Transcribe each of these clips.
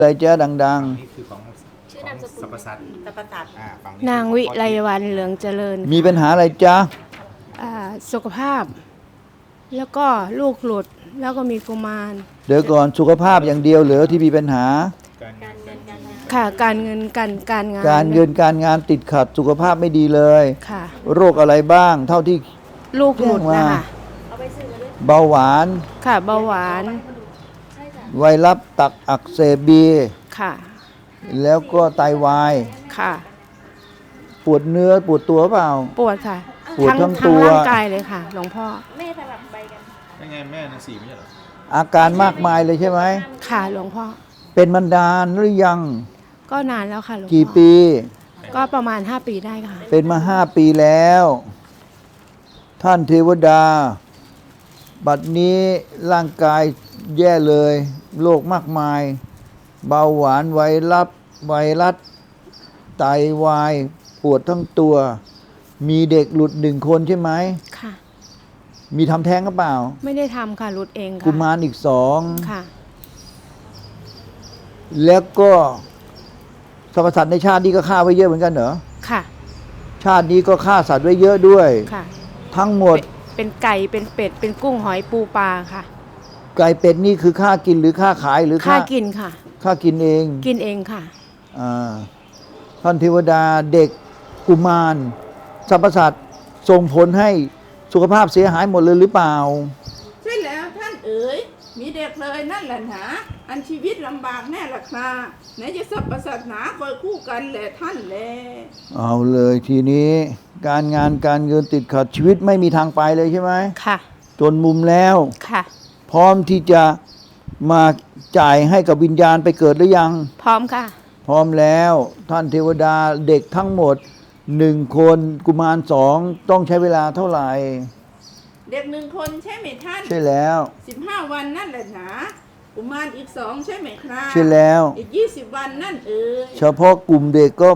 อะไรเจ้าดังฝั่งนี้คือของชื่อนามสกุลสรรพสัตว์สรรพสัตว์ฝั่งนางวิไลวรรณเหลืองเจริญๆ มีปัญหาอะไรจ๊ะสุขภาพ แล้วก็ลูกหลุดแล้วก็มีกุมารเดี๋ยวก่อนสุขภาพอย่างเดียวเหรอที่มีปัญหาการเงินการงานค่ะการเงินการงานการเงินการงานติดขัดสุขภาพไม่ดีเลยค่ะโรคอะไรบ้างเท่าที่ลูกหลุดแจ้งนะว่าคะเอาไปซื้อมาด้วยเบาหวานค่ะเบาหวานใช่จ้ะไวรัสตับอักเสบบีค่ะแล้วก็ไตวายค่ะปวดเนื้อปวดตัวเปล่าปวดค่ะปวดทั้งทั้งตัวร่างกายเลยค่ะหลวงพ่อแม่สลับใบกันยังไงแม่นางสี่ไม่ใช่เหรออาการมากมายเลยใช่ไหมค่ะหลวงพ่อเป็นมานานหรือยังก็นานแล้วค่ะหลวงพ่อกี่ปีก็ประมาณ5 ปีได้ค่ะเป็นมา5 ปีแล้ว ท่านเทวดา บัดนี้ร่างกายแย่เลยโรคมากมาย เบาหวานไวรัสไตวายปวดทั้งตัว มีเด็กหลุด1 คนใช่ไหมค่ะมีทำแท้งหรือเปล่าไม่ได้ทำค่ะหลุดเองค่ะกุมารอีกค่ะ 2 แล้วก็สรรพสัตว์ในชาตินี้ก็ฆ่าไว้เยอะเหมือนกันเหรอค่ะชาตินี้ก็ฆ่าสัตว์ไว้เยอะด้วยค่ะทั้งหมดเป็นไก่เป็นเป็ดเป็นกุ้งหอยปูปลาค่ะไก่เป็ดนี่คือฆ่ากินหรือฆ่าขายหรือค่ากินค่ะฆ่ากินเองกินเองค่ะท่านเทวดาเด็กกุมารสรรพสัตว์ส่งผลให้สุขภาพเสียหายหมดเลยหรือเปล่าใช่แล้วท่านเอ๋ยมีเด็กเลยนั่นแหละหนาอันชีวิตลำบากแน่ละคราไหนจะสัพพสัตว์หนาคอยคู่กันแหละท่านแลเอาเลยทีนี้ การงานการเงินติดขัดชีวิตไม่มีทางไปเลยใช่ไหมค่ะจนมุมแล้วค่ะพร้อมที่จะมาจ่ายให้กับวิญญาณไปเกิดหรือยังพร้อมค่ะพร้อมแล้วท่านเทวดาเด็กทั้งหมด1 คนกุมาร2ต้องใช้เวลาเท่าไหร่เด็ก1 คนใช่ไหมท่านใช่แล้ว 15 วันนั่นแหละหนากุมารอีก2ใช่ไหมครับใช่แล้วอีก20 วันนั่นเอ๋ยเฉพาะกลุ่มเด็กก็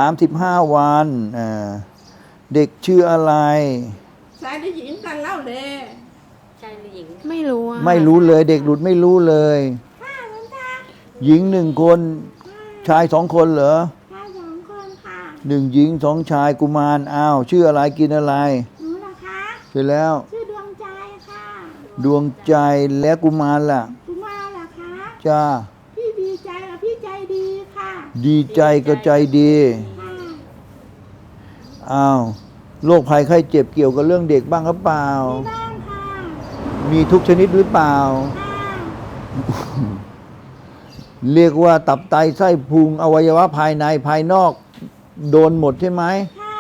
35 วันเด็กชื่ออะไรชายหรือหญิงกันเล่าแลชายหรือหญิงไม่รู้อะไม่รู้เลยเด็กหลุดไม่รู้เลยค่ะหลวงตาหญิง1 คนชาย2 คนเหรอชาย2 คนค่ะ 1 หญิง2 ชายกุมารอ้าวชื่ออะไรกินอะไรหนูเหรอคะใช่แล้วชื่อดวงใจค่ะดวงใจและกุมารล่ะกุมารเหรอคะจ้าพี่ดีใจกับพี่ใจดีค่ะดีใจก็ใจดีค่ะอ้าวโรคภัยไข้เจ็บเกี่ยวกับเรื่องเด็กบ้างหรือเปล่ามีบ้างค่ะมีทุกชนิดหรือเปล่าค่ะเรียกว่าตับไตไส้พุงอวัยวะภายในภายนอกโดนหมดใช่ไหมค่ะ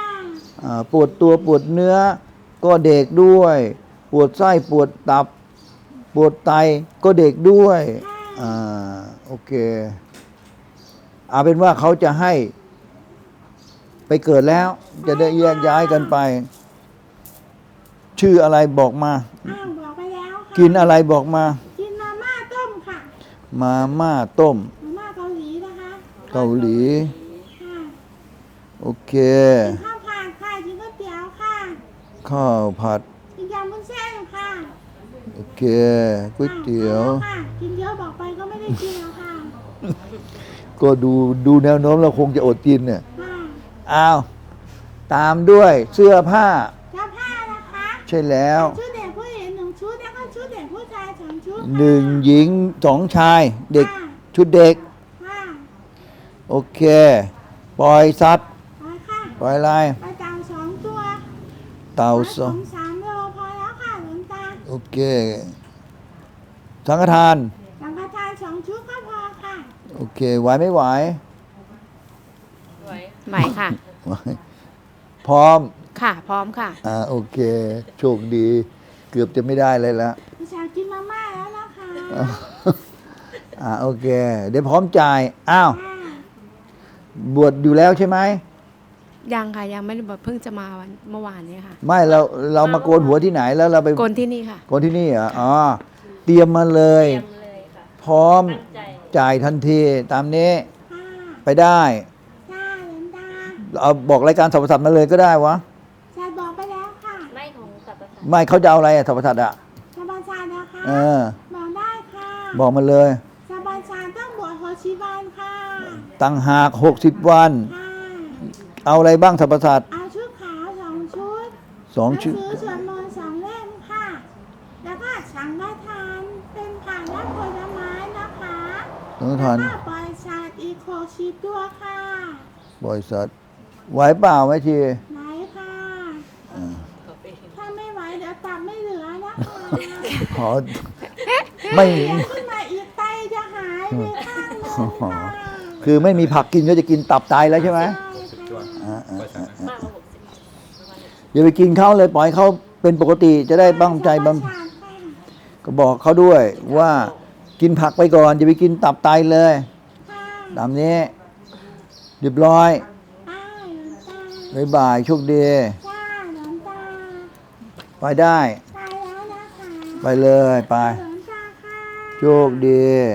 ปวดตัวปวดเนื้อก็เด็กด้วย ปวดไส้ปวดตับ ปวดไตก็เด็กด้วยโอเคเอาเป็นว่าเขาจะให้ไปเกิดแล้ว จะได้แยกย้ายกันไป ชื่ออะไรบอกมาอ้าวบอกไปแล้วค่ะกินอะไรบอกมากินมาม่าต้มค่ะมาม่าต้มมาม่าเกาหลีนะคะเกาหลีค่ะโอเคกินข้าวผัดค่ะกินก๋วยเตี๋ยวค่ะข้าวผัดกินยำวุ้นเส้นค่ะโอเคก๋วยเตี๋ยวค่ะกินเยอะบอกไปก็ไม่ได้กินแล้วค่ะก็ดูแนวโน้มเราคงจะอดกินเนี่ยค่ะอ้าวตามด้วยเสื้อผ้าเสื้อผ้านะคะใช่แล้วชุดเด็กผู้หญิง1 ชุดแล้วก็ชุดเด็กผู้ชาย2 ชุด 1 หญิง2 ชาย เด็กค่ะชุดเด็กค่ะโอเค ปล่อยสัตว์ไปค่ะปล่อยอะไรไปเต่า2 ตัวเต่าผสองม3 โลพอแล้วค่ะหลวงตาโอเค สังฆทานสังฆทาน2 ชุดก็พอค่ะโอเค ไหวไม่ไหวไหมค่ะไหวพร้อมค่ะ พร้อมค่ะโอเค โชคดี เกือบจะไม่ได้เลยละพี่ชายกินมาม่าแล้วนะคะโอเค เดี๋ยวพร้อมจ่าย อ้าวค่ะบวชอยู่แล้วใช่ไหมยังค่ะยังไม่ได้บอกเพิ่งจะมาเมื่อวานนี้ค่ะไม่เรามาโกนหัวที่ไหนแล้วเราไปโกนที่นี่ค่ะโกนที่นี่เหรออ๋อ เตรียมมาเลยเตรียมเลยค่ะพร้อมตั้งใจจ่ายทันทีตามนี้ค่ะไปได้ค่ะหลวงตาเอาบอกรายการสรรพสัตว์มาเลยก็ได้วะชายบอกไปแล้วค่ะไม่ของสัตว์ประสาทไม่เขาจะเอาอะไรอะสรรพสัตว์อะสบายชายนะคะเออบอกได้ค่ะบอกมาเลยสบายชายต้องบวชโฮชิวาวันค่ะต่างหาก60 วันค่ะเอาอะไรบ้างสรรพสัตว์เอาชุดขาว2 ชุด 2 ชุดหนังสือสวดมนต์2 เล่มค่ะ แล้วก็สังฆทานเป็นผักและผลไม้นะคะต้องทานแล้วก็ปล่อยสัตว์อีก60 ตัวค่ะบริษัทไหวเปล่าไหมทีไหนค่ะ ถ้าไม่ไหวเดี๋ยวตับไม่เหลือนะคะขอไม่เดี๋ยวขึ้นมาอีกไตจะหายไปข้างหนึงค่ะคือไม่มีผักกินก็จะกินตับตายแล้วใช่ไหม 60ตัวอ่าบริษัทนะมากกว่า60ประมาณ60 อย่าไปกินเขาเลยปล่อยเขาเป็นปกติจะได้บ้างใจบำก็บอกเขาด้วยว่ากินผักไปก่อนอย่าไปกินตับไตเลยค่ะตามนี้เรียบร้อยอ้าวหลวงตาบ๊ายบายโชคดีจ้าหลวงตาไปได้ไปแล้วนะคะไปเลยไปหลวงตาค่ะโชคดี